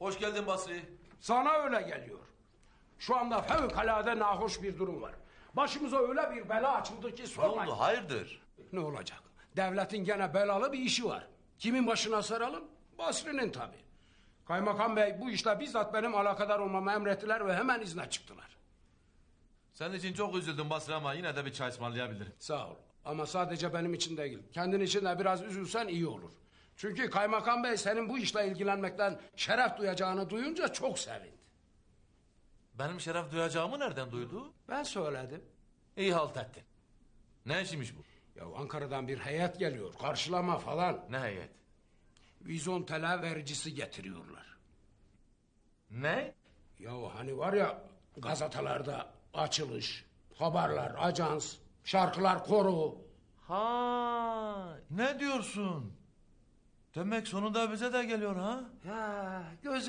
hoş geldin Basri. Sana öyle geliyor. Şu anda fevkalade nahoş bir durum var. Başımıza öyle bir bela açıldı ki Ne sormayın. oldu, hayırdır? Ne olacak? Devletin gene belalı bir işi var. Kimin başına saralım? Basri'nin tabii. Kaymakam bey bu işle bizzat benim alakadar olmamı emrettiler ve hemen izne çıktılar. Senin için çok üzüldüm Basri ama yine de bir çay ısmarlayabilirim. Sağ ol. Ama sadece benim için değil. Kendin için de biraz üzülsen iyi olur. Çünkü kaymakam bey senin bu işle ilgilenmekten şeref duyacağını duyunca çok sevindi. Benim şeref duyacağımı nereden duydu? Ben söyledim. İyi halt ettin. Ne işiymiş bu? Ya Ankara'dan bir heyet geliyor. Karşılama falan. Ne heyet? Vizontele vericisi getiriyorlar. Ne? Ya hani var ya gazetelerde açılış, haberler, ajans, şarkılar, koro. Ha, ne diyorsun? Demek sonunda bize de geliyor ha? Ya